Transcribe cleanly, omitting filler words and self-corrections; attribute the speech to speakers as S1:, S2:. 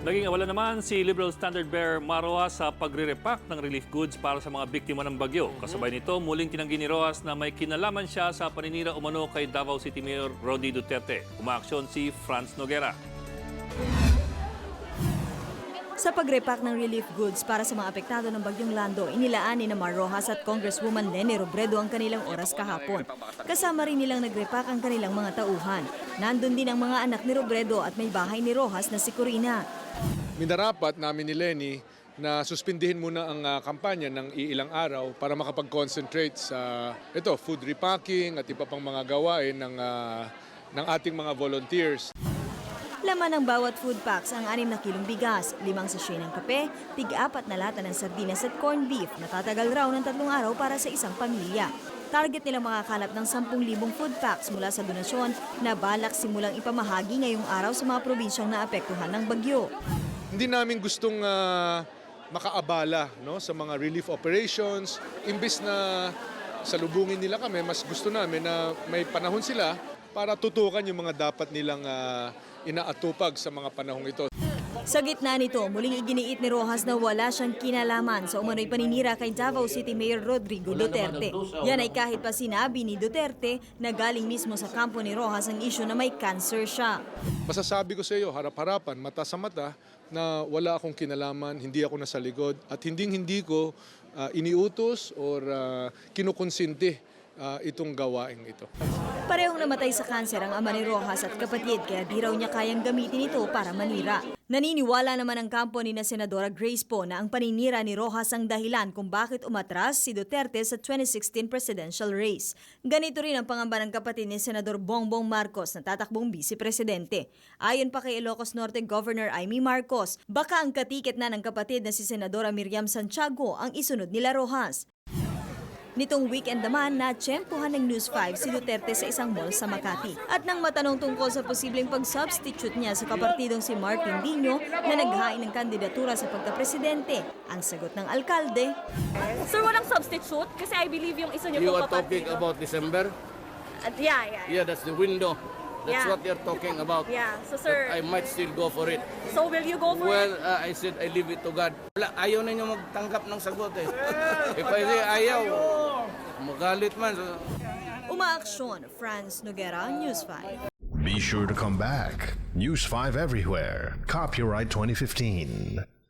S1: Naging awala naman si Liberal standard-bearer Maroa sa pagre-repack ng relief goods para sa mga biktima ng bagyo. Kasabay nito, muling tinanggi ni Rojas na may kinalaman siya sa paninira umano kay Davao City Mayor Rody Duterte. Umaaksyon si Franz Noguera.
S2: Sa pagrepack ng relief goods para sa mga apektado ng Bagyong Lando, inilaan ni Mar Rojas at Congresswoman Leni Robredo ang kanilang oras kahapon. Kasama rin nilang nagrepack ang kanilang mga tauhan. Nandun din ang mga anak ni Robredo at may bahay ni Rojas na si Corina.
S3: Minarapat namin ni Leni na suspindihin muna ang kampanya ng iilang araw para makapag-concentrate sa food repacking at iba pang mga gawain ng ating mga volunteers.
S2: Laman ng bawat food packs ang 6 na kilong bigas, 5 sachet ng kape, tig-4 na lata ng sardinas at corned beef na tatagal raw ng 3 araw para sa isang pamilya. Target nilang makakalap ng 10,000 food packs mula sa donasyon na balak simulang ipamahagi ngayong araw sa mga probinsyang naapektuhan ng bagyo.
S3: Hindi namin gustong makaabala sa mga relief operations. Imbis na salubungin nila kami, mas gusto namin na may panahon sila para tutukan yung mga dapat nilang inaatupag sa mga panahong ito.
S2: Sa gitna nito, muling iginiit ni Rojas na wala siyang kinalaman sa umano'y paninira kay Davao City Mayor Rodrigo Duterte. Yan ay kahit pa sinabi ni Duterte na galing mismo sa kampo ni Rojas ang isyu na may cancer siya.
S3: Masasabi ko sa iyo, harap-harapan, mata sa mata, na wala akong kinalaman, hindi ako nasa likod at hindi ko iniutos or kinukonsinti itong gawaing ito.
S2: Parehong namatay sa kanser ang ama ni Rojas at kapatid kaya di raw niya kayang gamitin ito para manira. Naniniwala naman ang kampo ni na Senadora Grace Poe na ang paninira ni Rojas ang dahilan kung bakit umatras si Duterte sa 2016 presidential race. Ganito rin ang pangamba ng kapatid ni Senador Bongbong Marcos na tatakbong vice-presidente. Ayon pa kay Ilocos Norte Governor Amy Marcos, baka ang katiket na ng kapatid na si Senadora Miriam Santiago ang isunod nila Rojas. Nitong weekend naman, natsyempohan ng News 5 si Duterte sa isang mall sa Makati. At nang matanong tungkol sa posibleng pag-substitute niya sa kapartidong si Martin Dino na naghain ng kandidatura sa pagkapresidente, ang sagot ng alkalde,
S4: Sir, walang substitute? Kasi I believe yung isa niyo
S5: You
S4: pong
S5: are talking
S4: kapatid.
S5: about December?
S4: Yeah.
S5: Yeah, that's the window. That's
S4: Yeah.
S5: what you're talking about.
S4: Yeah, so sir,
S5: But I might still go for it.
S4: so will you go for
S5: Well,
S4: it?
S5: I said I leave it to God. Wala, ayaw ninyo magtanggap ng sagot eh. If I say ayaw, magalit man.
S2: umaaksyon. Franz Noguera, News 5.
S6: Be sure to come back. News 5 everywhere. Copyright 2015.